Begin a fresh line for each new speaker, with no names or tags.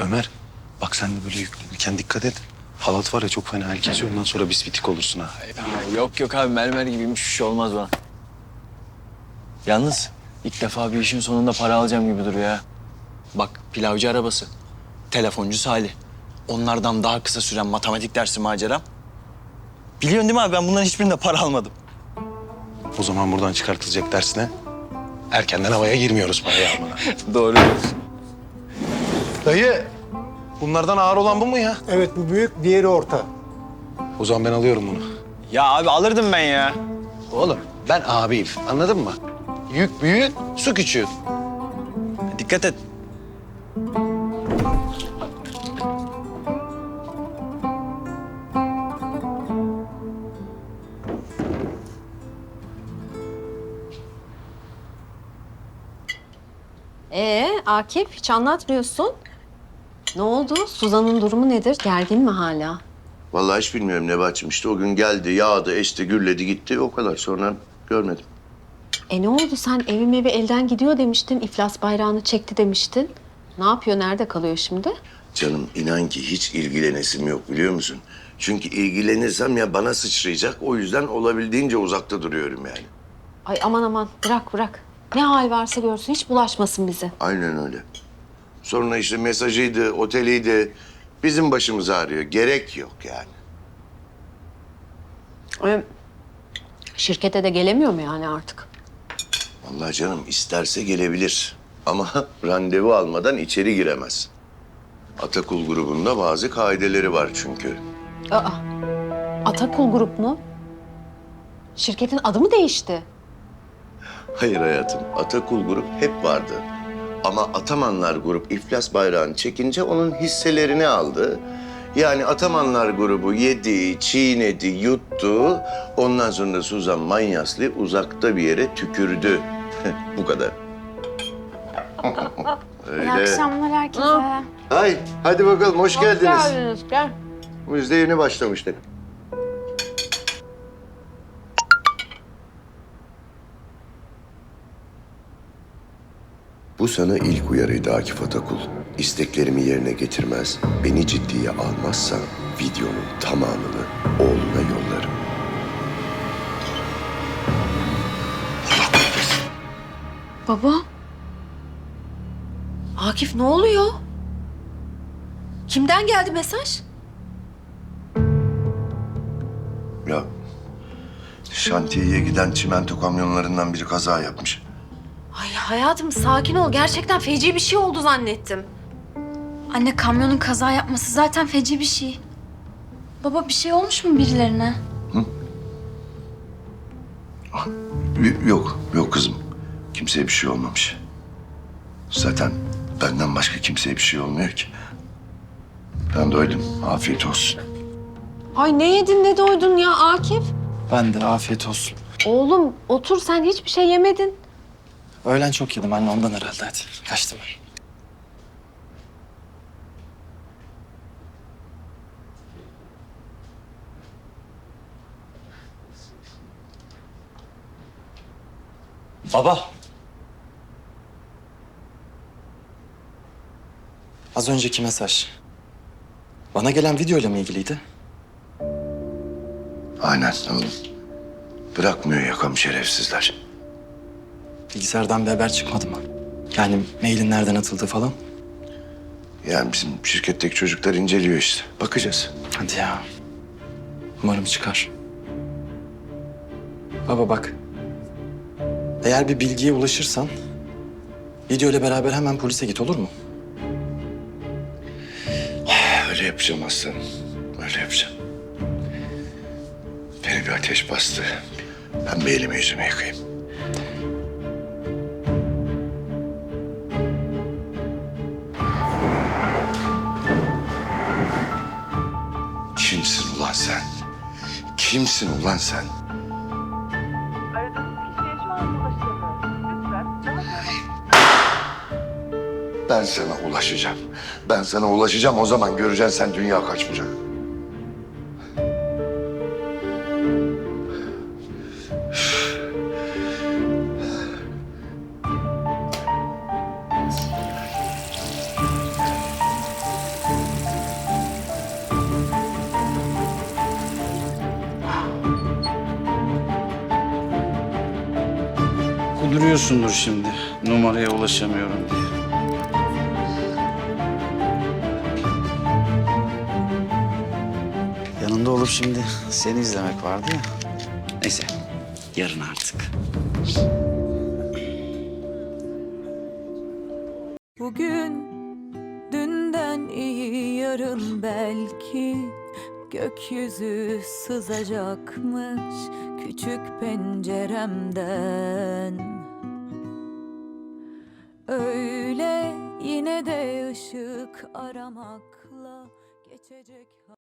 Ömer, bak sen de böyle yüklenirken dikkat et. Halat var ya çok fena el kesiyor. Ondan sonra bisbitik olursun ha.
Yok yok abi, mermer gibiymiş, bir şey olmaz bana. Yalnız ilk defa bir işin sonunda para alacağım gibi duruyor ha. Bak, pilavcı arabası, telefoncu Salih. Onlardan daha kısa süren matematik dersi maceram. Biliyorsun değil mi abi, ben bunların hiçbirinde para almadım.
O zaman buradan çıkartılacak dersine erkenden havaya girmiyoruz parayı almana.
Doğru diyorsun.
Dayı, bunlardan ağır olan bu mu ya?
Evet, bu büyük, diğeri orta.
O zaman ben alıyorum bunu.
Ya abi alırdım ben ya.
Oğlum ben abiyim, anladın mı? Yük büyük, su küçüğü.
Dikkat et.
Akif hiç anlatmıyorsun. Ne oldu? Suzan'ın durumu nedir? Gergin mi hala?
Vallahi hiç bilmiyorum Nebahat'cığım. İşte o gün geldi, yağdı, esti, gürledi, gitti. O kadar. Sonra görmedim.
Ne oldu? Sen evim evi elden gidiyor demiştin. İflas bayrağını çekti demiştin. Ne yapıyor? Nerede kalıyor şimdi?
Canım inan ki hiç ilgilenesim yok biliyor musun? Çünkü ilgilenirsem ya bana sıçrayacak. O yüzden olabildiğince uzakta duruyorum yani.
Ay aman aman bırak. Ne hal varsa görsün, hiç bulaşmasın bize.
Aynen öyle. Sonra işte mesajıydı, oteliydi. Bizim başımız ağrıyor. Gerek yok yani.
Şirkete de gelemiyor mu yani artık?
Vallahi canım isterse gelebilir. Ama randevu almadan içeri giremez. Atakul grubunda bazı kaideleri var çünkü.
Atakul Grup mu? Şirketin adı mı değişti?
Hayır hayatım, Atakul grup hep vardı. Ama Atamanlar grup iflas bayrağını çekince onun hisselerini aldı. Yani Atamanlar grubu yedi, çiğnedi, yuttu. Ondan sonra Suzan Manyaslı uzakta bir yere tükürdü. Bu kadar. Öyle.
İyi akşamlar herkese.
Ay, hadi bakalım hoş geldiniz.
Gel.
Biz de yeni başlamıştık. Bu sana ilk uyarıydı Akif Atakul. İsteklerimi yerine getirmez, beni ciddiye almazsan videonun tamamını oğluna yollarım.
Baba. Akif ne oluyor? Kimden geldi mesaj?
Ya şantiyeye giden çimento kamyonlarından biri kaza yapmış.
Ay hayatım sakin ol. Gerçekten feci bir şey oldu zannettim.
Anne, kamyonun kaza yapması zaten feci bir şey. Baba, bir şey olmuş mu birilerine?
Yok kızım. Kimseye bir şey olmamış. Zaten benden başka kimseye bir şey olmuyor ki. Ben doydum. Afiyet olsun.
Ay ne yedin ne doydun ya Akif?
Ben de afiyet olsun.
Oğlum otur, sen hiçbir şey yemedin.
Öğlen çok yedim anne, ondan herhalde, hadi. Kaçtım ben. Baba. Az önceki mesaj. Bana gelen videoyla mı ilgiliydi?
Aynen oğlum. Bırakmıyor yakamı şerefsizler.
Bilgisayardan bir haber çıkmadı mı? Yani mailin nereden atıldığı falan.
Yani bizim şirketteki çocuklar inceliyor işte. Bakacağız.
Hadi ya. Umarım çıkar. Baba bak. Eğer bir bilgiye ulaşırsan video ile beraber hemen polise git, olur mu?
Öyle yapacağım aslanım. Öyle yapacağım. Beni bir ateş bastı. Ben bir elimi yüzümü yıkayayım. Kimsin ulan sen? Kimsin ulan sen?
Aradığınız kişiye şu an ulaşılamıyor. Lütfen daha sonra...
Ben sana ulaşacağım. Ben sana ulaşacağım. O zaman göreceksin sen dünya kaç bucak.
duruyorsundur şimdi numaraya ulaşamıyorum diye. Yanında olup şimdi seni izlemek vardı ya. Neyse, yarın artık.
Bugün dünden iyi, yarın belki gökyüzü sızacakmış küçük penceremden. Öyle yine de ışık aramakla geçecek.